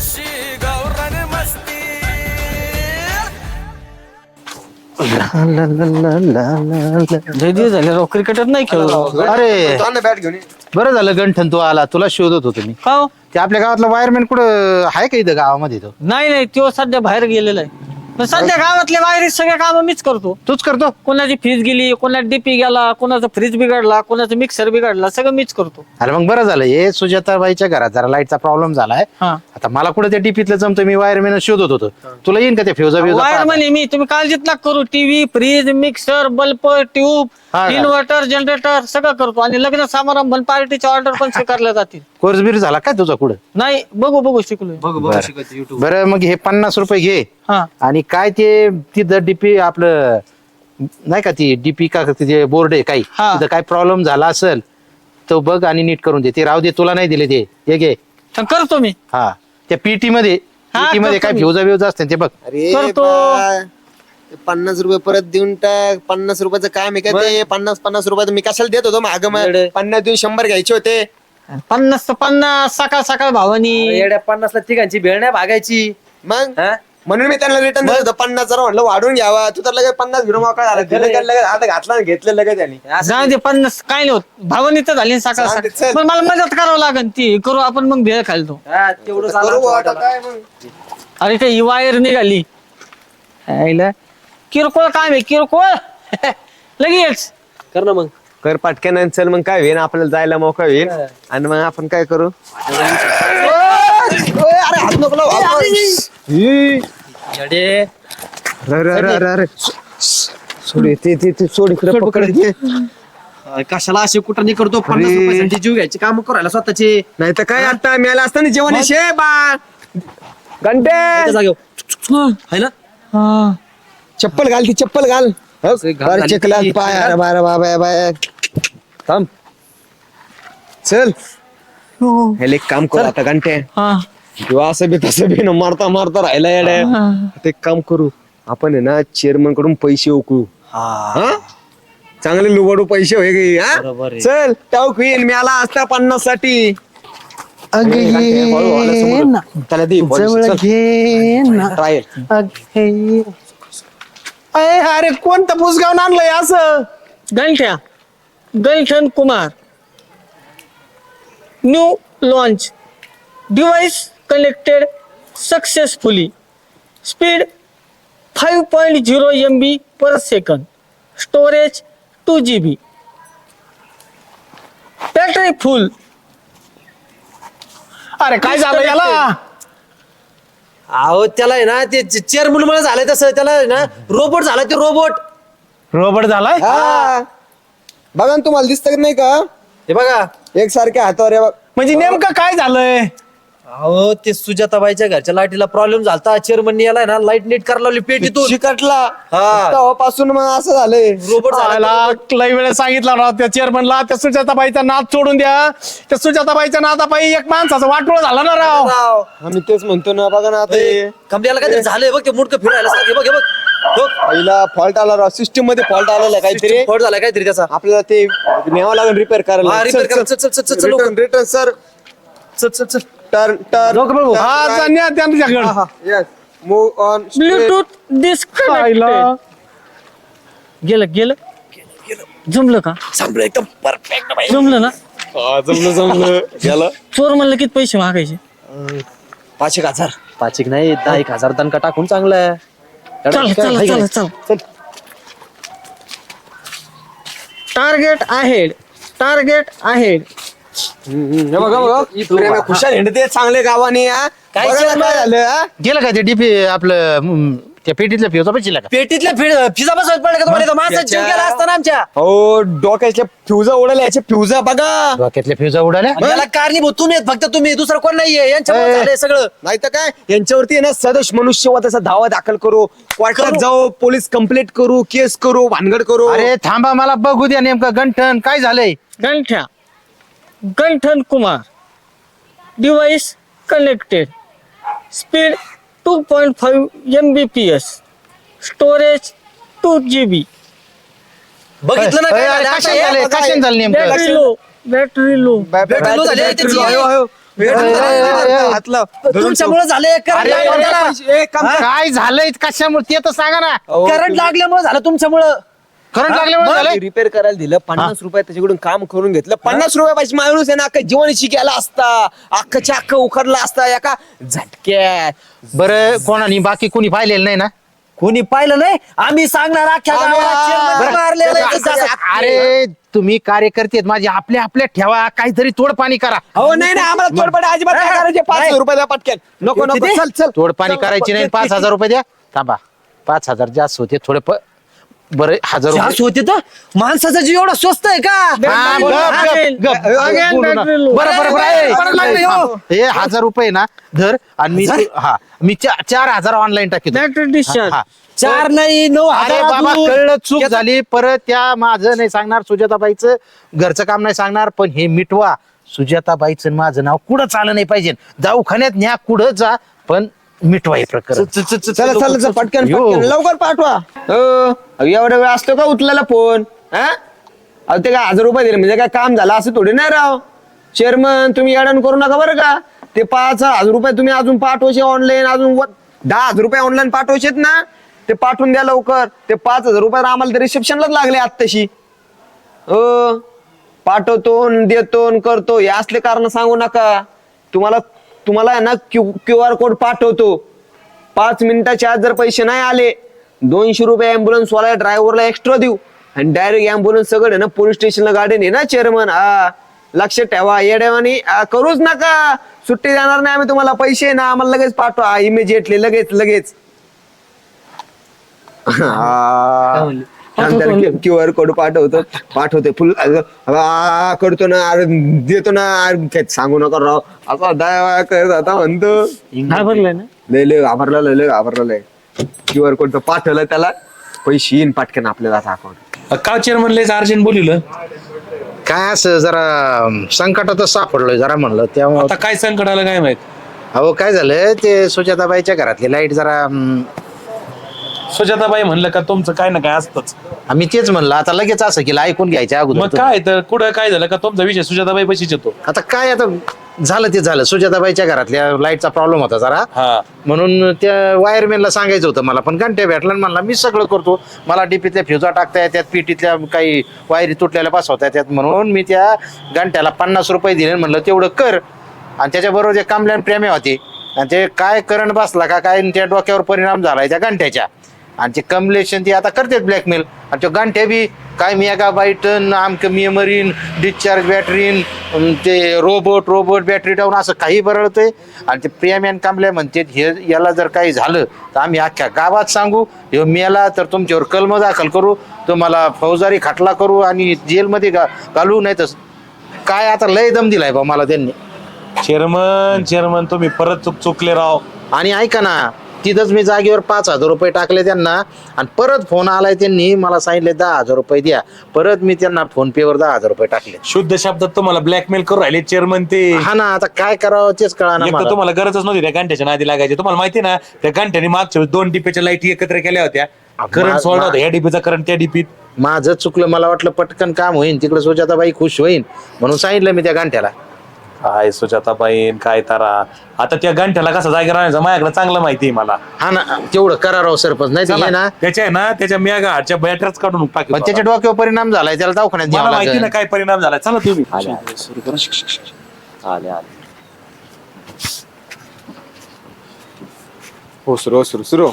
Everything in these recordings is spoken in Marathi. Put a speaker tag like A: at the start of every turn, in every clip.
A: कशी गावरान मस्ती
B: लय दिवस झाले राव क्रिकेटर नाही खेळलो.
C: अरे
D: बॅट घेऊन ये.
C: बरं झालं गंठन तू आला, तुला शोधत होतो मी.
B: का हो?
C: ते आपल्या गावातला वायरमॅन कुठं आहे का इथं गावामध्ये? तो
B: नाही नाही तो सध्या बाहेर गेलेला आहे. पण सध्या गावातले बाहेर सगळे काम मीच करतो.
C: तूच करतो?
B: कोणाची फीज गेली, कोणाचा डीपी गेला, कोणाचा फ्रीज बिघडला, कोणाचा मिक्सर बिघडला, सगळं मीच करतो.
C: अरे मग बरं झालं, हे सुजाताबाईच्या घरात जरा लाईटचा प्रॉब्लेम झालाय.
B: हा
C: आता मला कुठं त्या डीपीतलं जमतं, मी वायरमॅन शोधत होतो. तुला येईन का ते फ्युजा
B: वायर म्हणे मी, तुम्ही काळजीत ना करू. TV, fridge, mixer, bulb, tube,
C: हा का?
B: इन्व्हर्टर, जनरेटर सगळं करतो. आणि लग्न समारंभ पार्टीच्या ऑर्डर पण स्वीकारल्या जातील.
C: कोर्स बीर झाला काय तुझा कुठं?
B: नाही बघू शिकलोय.
D: बघ शिकवते युट्यूब.
C: बरं मग हे 50 रुपये घे.
B: हा
C: आणि काय ते तिथं डीपी आपलं नाही का, ती डीपी का तिथे बोर्ड आहे काही,
B: हा.
C: तिथं काय प्रॉब्लेम झाला असेल तो बघ आणि नीट करून दे. ते राहू दे, तुला नाही दिले ते, हे घे.
B: तर करतो मी.
C: हा त्या पीटी मध्ये
B: हा,
C: PT मध्ये
B: करतो
C: काय
B: मी.
C: फ्युजा बिवजा असते ते बघ.
D: अरे
B: करतो.
D: बा, 50 रुपये परत देऊन टाक. 50 रुपयाचं काम आहे का ते? 50 रुपयाचं मी कशाला देत होतो माग? 50 देऊन 100 घ्यायचे होते.
B: 50 तर 50 सकाळ सकाळ भावानी.
E: येड्या 50 ला तिघांची भेळ नाही भागायची.
D: मग
E: हा?
D: म्हणून मी त्यांना रिटर्न देत होतो. 50 जरा म्हटलं वाढून घ्यावा. तू तर लगेच 50 घेऊन मोकळा झाला. दिलं का लगेच, आता घातला आणि घेतलं लगेच त्यांनी.
B: जाऊ दे 50 काय नाही होत. भावानी तर झाली सकाळ
D: चालते,
B: सकाळ.
D: चल.
B: पण मला मदत करावं लागेल. ती करू आपण, मग भेळ खालतो.
E: हा, तेवढं
D: करू
E: झालं
D: बुवा, आता
E: वाटायला.
D: काय मग?
B: अरे ते ही वायर निघाली. आईला किरकोळ काम आहे, किरकोळ. लगेच
E: कर ना मग.
D: कर पटकन आणि चल, मग काय होईल, आपल्याला जायला मोका होईल. आणि मग आपण काय करू? अरे हात नको लावू, हात नको.
E: येडे.
D: अरे सोड ते सोड इकडे पकड ते.
E: कशाला असे कुठं नाही करतो? 50 रुपयासाठी जीव घ्यायचे काम करायला स्वतःचे.
D: नाही तर काय, आता मिळालं असतं ना जेवण. शे बा घंटे
E: जागेवर है ना.
D: चप्पल घाल, ती चप्पल घाल.
E: घाल, घाल.
D: चिखला पाय. अरे बाय बाय बाय थांब. चल हे एक काम करू आता घंटे.
B: हा
D: किंवा असं बी तसं बी ना मारता मारता राहिला येड्या. आता एक काम करू आपण, आहे ना, चेअरमन कडून पैसे उकळू. हा चांगले लुबाडू पैसे होय गे. हा
E: बरोबर आहे.
D: चल टाऊक होईल. मी आला असता 50 साठी. त्याला दे ट्रायल. अरे कोणतं पुसगावून आणलंय असं?
B: गंठ्या Ganthan Kumar. New launch. Device connected successfully. Speed 5.0 MB per second. Storage 2 GB. Battery full.
C: अरे काय झालं याला?
E: अहो त्याला आहे ना, ते चेअरमन मला झालंय तसं. त्याला आहे ना रोबोट झाला. ते रोबोट.
C: रोबोट झालाय?
D: हा बघा ना, तुम्हाला दिसत नाही का?
E: हे बघा.
D: एकसारख्या हातावर आहे बघ.
C: म्हणजे नेमकं काय झालंय?
E: अहो ते सुजाताबाईच्या घरच्या लाईटीला प्रॉब्लेम झालता. चेअरमन याला ना लाईट नीट करायला लावली पेटीतून.
D: चिकटला
E: हा.
D: तेव्हापासून मग असं झालंय.
E: रोबोट झाला.
C: लई वेळेस सांगितलं ना त्या चेअरमनला, त्या सुजाताबाईचा नाद सोडून द्या. त्या सुजाताबाईच्या नादापायी एक माणसाचं वाटोळ झालं ना राव.
E: राव.
D: आम्ही तेच म्हणतो ना. बघा ना आता हे.
E: कमल्याला काहीतरी झालंय बघ. ते मुडकं फिरायला सांग. बघ हे बघ. हो.
D: पहिला फॉल्ट आला राव. सिस्टीम मध्ये फॉल्ट आलेला आहे काहीतरी.
E: फॉल्ट झालाय काहीतरी त्याचा.
D: आपल्याला ते न्यावं लागेल रिपेअर करायला.
E: हा, repair करा. चल, लवकर.
D: Return sir.
E: चल.
D: Turn turn.
C: हा जाण्या त्यांच्याकडे.
D: Yes move on.
B: Bluetooth disconnected. गेलं जमलं का?
E: संपलं एकदम परफेक्ट.
B: जमलं ना?
D: जमलं गेलं.
B: चोर म्हणलं किती पैसे मागायचे?
E: 5,000. 5,000 नाही, 10,000 दणका टाकून चांगलं आहे.
B: चल. Target ahead.
D: हे बघा प्रेम खुशाल हिंडते चांगले गावाने. हा?
E: काय
D: बघा ना
E: चाललंय?
D: काय झालं? हा?
C: गेलं का ते डीपी आपलं त्या पेटीतल्या फ्युजा पैसे का?
E: पेटीतल्या फिजा बसवत पडलं का तुम्हाला? माणसाचा जीव गेला असताना आमच्या.
D: हो डोक्याच्या फ्युजा उडाल्या. याच्या फ्युजा बघा.
C: डोक्यातल्या फ्युजा उडाल्या.
E: आणि याला कारणीभूत तुम्ही आहेत, फक्त तुम्ही. दुसरं कोण नाहीये. यांच्यामुळे झालंय सगळं.
D: नाही तर काय, यांच्यावरती आहे ना सदोष मनुष्यवधाचा दावा दाखल करू. कोर्टात जाऊ, पोलीस कंप्लेंट करू, केस करू, भानगड करू.
C: अरे थांबा, मला बघू द्या नेमकं गंठन काय झालंय.
B: Ganthan Kumar. Device connected. Speed 2.5 Mbps. Storage 2 GB.
E: बघितलं ना काय झालं? आता
C: कशाने
E: हे
C: झालंय?
E: बघा,
C: कशाने झालं नेमकं?
B: Battery low.
E: बॅटरी लो झाली आहे त्याची. तुमच्यामुळे झाले
C: काय झालंय कशामुळे ते तर सांगा ना.
E: करंट लागल्यामुळे झालं तुमच्यामुळं.
C: करंट लागल्यामुळे झालंय.
D: रिपेअर करायला दिलं 50 रुपये त्याच्याकडून काम करून घेतलं. 50 रुपये पाहिजे माणूस आहे ना अख्खा जीवन शिकायला असता, अख्खच्या अख्खा उखडला असता एका झटक्यात.
C: बरं कोणानी बाकी कोणी पाहिलेलं नाही ना.
E: कोणी पाहिलं नाही, आम्ही सांगणार अख्ख्या गावाला chairman मारलेलं आहे तसं.
C: अरे तुम्ही कार्यकर्ते आहेत माझे, आपल्या आपल्या ठेवा, काहीतरी तोडपाणी करा.
D: हो नाही नाही आम्हाला तोडपाणी अजिबात नाही करायचे. 500 रुपये द्या पटकन. नको नको चल चल.
C: तोडपाणी करायची नाही. 5,000 रुपये द्या. थांबा, 5,000 जास्त होते थोडे. बरं 1,000 रुपये.
E: जास्त होते तर माणसाचा जीव एवढा स्वस्त आहे का?
C: हा, गप, गप, गप. बोलू नका. बरं बरं बरं हे 1,000 रुपये ना धर आणि मी 4,000 ऑनलाईन टाकेन. हा.
E: 4 नाही 9,000.
C: अरे बाबा कळलं, चूक झाली. परत त्या माझं नाही सांगणार, सुजाताबाईचं घरचं काम नाही सांगणार, पण हे मिटवा. सुजाताबाईचं माझं नाव कुठं चाललं नाही पाहिजे. दवाखान्यात न्या, कुठं जा, पण मिटवा हे प्रकरण.
D: चला चला चला, पटकन पटकन लवकर पाठवा. एवढा वेळ असतो का उचलायला फोन? अहो ते काय 1,000 रुपये दिले म्हणजे काय काम झालं असं थोडी नाही राव. चेअरमन तुम्ही अडण करू नका बरं का. ते 5,000 रुपये तुम्ही अजून पाठवायचे ऑनलाईन, अजून 10,000 रुपये ऑनलाईन पाठवायचेत ना, ते पाठवून द्या लवकर. ते 5,000 रुपये आम्हाला रिसेप्शनलाच लागले आत्ताशी. पाठवतो देतो करतो हे असले कारण सांगू नका. तुम्हाला आहे ना QR कोड पाठवतो. 5 मिनिटाच्या आत जर पैसे नाही आले 200 रुपये अँब्युलन्स वाला ड्रायव्हरला एक्स्ट्रा देऊ आणि डायरेक्ट अँब्युलन्स सगळं ना पोलीस स्टेशनला गाडी ने ना चेअरमन. लक्षात ठेवा, येड्यावानी करूच नका. सुट्टी देणार नाही आम्ही तुम्हाला. पैसे ना आम्हाला लगेच पाठवा इमिजिएटली, लगेच. QR कोड पाठवते फुल करतो ना, देतो ना. सांगू नका राव, असा दया करत आता म्हणतो. लय घाबरला. QR कोड पाठवलं त्याला, पैसे येईन पटकन आपल्याला अकाउंट.
F: का चेअरमन लयच अर्जंट बोलिवलं?
C: काय असं जरा संकटातच सापडलोय जरा म्हणलं तेव्हा.
F: आता काय संकट आलं काय माहित.
C: अहो काय झालं, ते सुजाताबाईच्या घरातली लाईट जरा
F: सुजाताबाई म्हणलं का तुमचं काय ना काय असतंच.
C: आम्ही तेच म्हणलं, आता लगेच असं केलं ऐकून घ्यायच्या
F: मग
C: अगोदर.
F: काय तर कुठं काय झालं का तुमचा विषय सुजाताबाई पशीच येतो.
C: आता काय, आता झालं ते झालं. सुजाताबाईच्या घरातल्या लाईटचा प्रॉब्लेम होता जरा,
F: हा
C: म्हणून त्या वायरमॅनला सांगायचं होतं मला, पण घंटे भेटला म्हणला मी सगळं करतो. मला डीपीतल्या फ्युजा टाकता येतात, पीटीतल्या काही वायरी तुटलेल्या बसवता येतात, म्हणून मी त्या घंट्याला 50 रुपये दिले. म्हणलं तेवढं कर. आणि त्याच्याबरोबर जे कामल्यान प्रेमे होते, आणि ते काय करंट बसला का काय त्या डोक्यावर परिणाम झालाय त्या घंट्याच्या. आणि ते कमलेशन ती आता करतात ब्लॅकमेल. आणि तो गांठ्या बी काय मेगा बाईटन आमक मेमरीन डिस्चार्ज बॅटरीन ते रोबोट बॅटरी डाऊन असं काही बरळतंय. आणि ते प्रियामॅन कांबले म्हणते हे याला जर काही झालं तर आम्ही अख्ख्या गावात सांगू, हे मेला तर तुमच्यावर कलम दाखल करू, तुम्हाला फौजदारी खटला करू आणि जेलमध्ये घालू. नाही तर काय, आता लय दम दिलाय बा मला त्यांनी.
F: चेअरमन तुम्ही परत चुकले राव.
C: आणि ऐका ना, तिथंच मी जागेवर 5,000 रुपये टाकले त्यांना. आणि परत फोन आलाय, त्यांनी मला सांगितले 10,000 रुपये द्या. परत मी त्यांना फोन पे वर 10,000 रुपये टाकले.
F: शुद्ध शब्दात तुम्हाला ब्लॅकमेल करू राहिले चेअरमन ते.
C: हा ना, आता काय करावं तेच कळा ना मला.
F: तुम्हाला गरजच नव्हती त्या घंट्याच्या नादी लागायची. तुम्हाला माहिती ना त्या घंट्याने मागच्या 2 डिपेच्या लाईटी एकत्र केल्या होत्या. करंट सोडला होता, या डिपीचा करंट त्या डिपीत.
C: माझं चुकलं, मला वाटलं पटकन काम होईल, तिकडे सुजाताबाई खुश होईल म्हणून सांगितलं मी त्या घंट्याला.
F: काय सुजाताबाई काय तारा. आता त्या घंट्याला कसा जागा राहायचा माझ्याकडे चांगलं माहिती आहे मला.
C: हा ना, तेवढं करा राव सरपंच. नाही तर हे ना
F: त्याच्या मेगा हार्टच्या बॅटरीच काढून टाकली.
C: पण त्याच्या डोक्यावर परिणाम झालाय, त्याला दवाखान्यात
F: मला
C: न्यावं
F: माहिती ना
C: लागेल.
F: काय परिणाम झाला. चला तुम्ही
D: हो सुरू.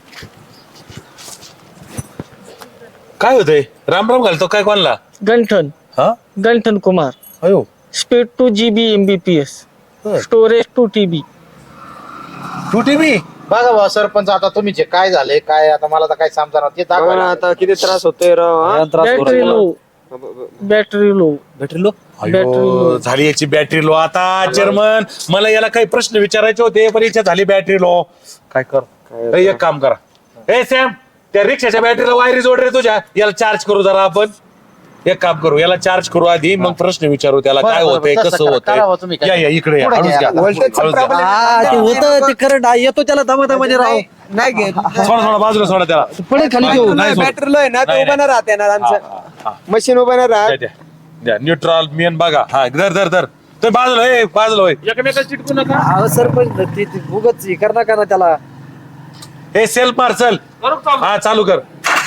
F: काय होतंय. राम घालतो काय कोणला.
B: गंठन
F: हा
B: गंठन कुमार.
F: अयो
B: speed 2 GB MBPS, storage 2 TB.
F: 2 TB.
C: बघा भाऊ सरपंच, आता तुम्ही जे काय झाले काय, आता मला तर काय समजा ते दाखवा.
D: आता किती त्रास होतोय राव.
B: Battery low.
F: बॅटरी लो झाली याची बॅटरी लो. आता चेअरमन मला याला काही प्रश्न विचारायचे होते, पण याच्या झाली बॅटरी लो. काय कर, एक काम करा. ए सॅम, त्या रिक्षाच्या बॅटरीला वायरी जोड रे तुझ्या. याला चार्ज करू जरा आपण. एक काम करू, याला चार्ज करू आधी, मग प्रश्न विचारू त्याला काय होतंय कसं होतंय. या इकडे या. हळूच घ्या.
E: ते होतं ते करंट येतो त्याला दमादमाने राव.
D: नाही घेत.
F: सोडा बाजूला सोडा त्याला.
E: पडेल खाली घेऊ.
D: बॅटरीला आहे ना ते उभं नाही राहते ना आमचं मशीन उभं नाही राहत.
F: द्या न्यूट्रल मेन बघा. हा धर तर बाजूला होय एकमेकाला चिटकू नका.
E: अहो सरपंच ते उगच कर ना त्याला.
F: हे सेल्फ मार चल. हा चालू कर.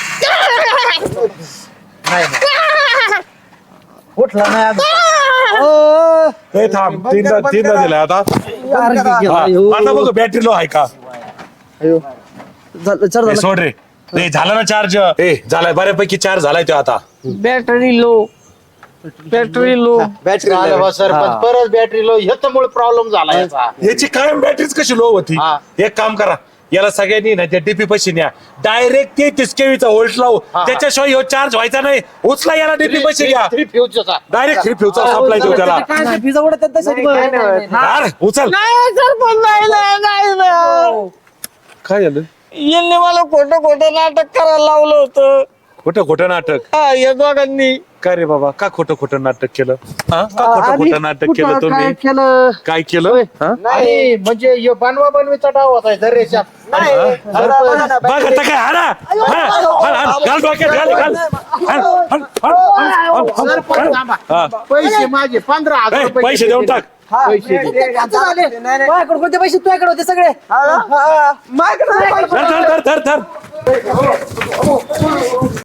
E: उठला नाही अजून.
F: हे थांब तीनदा दिलं आता. आता बघ बॅटरी लो आहे का. हे सोड रे. हे झालं ना चार्ज. झालाय बऱ्यापैकी चार्ज झालाय तो आता.
B: बॅटरी लो
C: बॅटरी सरपंच परत बॅटरी लो ह्याच्यामुळे प्रॉब्लेम झाला याचा.
F: याची कायम बॅटरीच कशी लो होती.
C: हा.
F: एक काम करा याला सगळ्यांनी ना त्या डीपी पैसे न्या डायरेक्ट ते 30 केवीचा व्होल्ट लावू त्याच्याशिवाय ह्यो चार्ज व्हायचा नाही. उचला याला डीपी पैसे घ्या डायरेक्ट 3 फ्यूचा सप्लाय देऊ त्याला. अरे, उचल
B: नाही सरपंच नाही.
F: काय झालं.
B: यांनी मला खोटं नाटक करायला लावलं होतं.
F: खोटं नाटक.
B: हा या दोघांनी.
F: काय रे बाबा का खोटं नाटक केलं. का खोटं नाटक केलं तुम्ही. काय केलं. हा?
C: नाही म्हणजे ह्यो बनवीचा डाव होता दरेच्या.
F: बघ आता काय हाणा. घाल डोक्यात घाल.
C: सरपंच थांबा.
F: हा.
C: पैसे माझे 15,000 रुपये
F: पैसे देऊन टाक.
C: पैसे दे.
E: माझ्याकडे कोणते पैसे तुझ्याकडे होते सगळे.
F: धर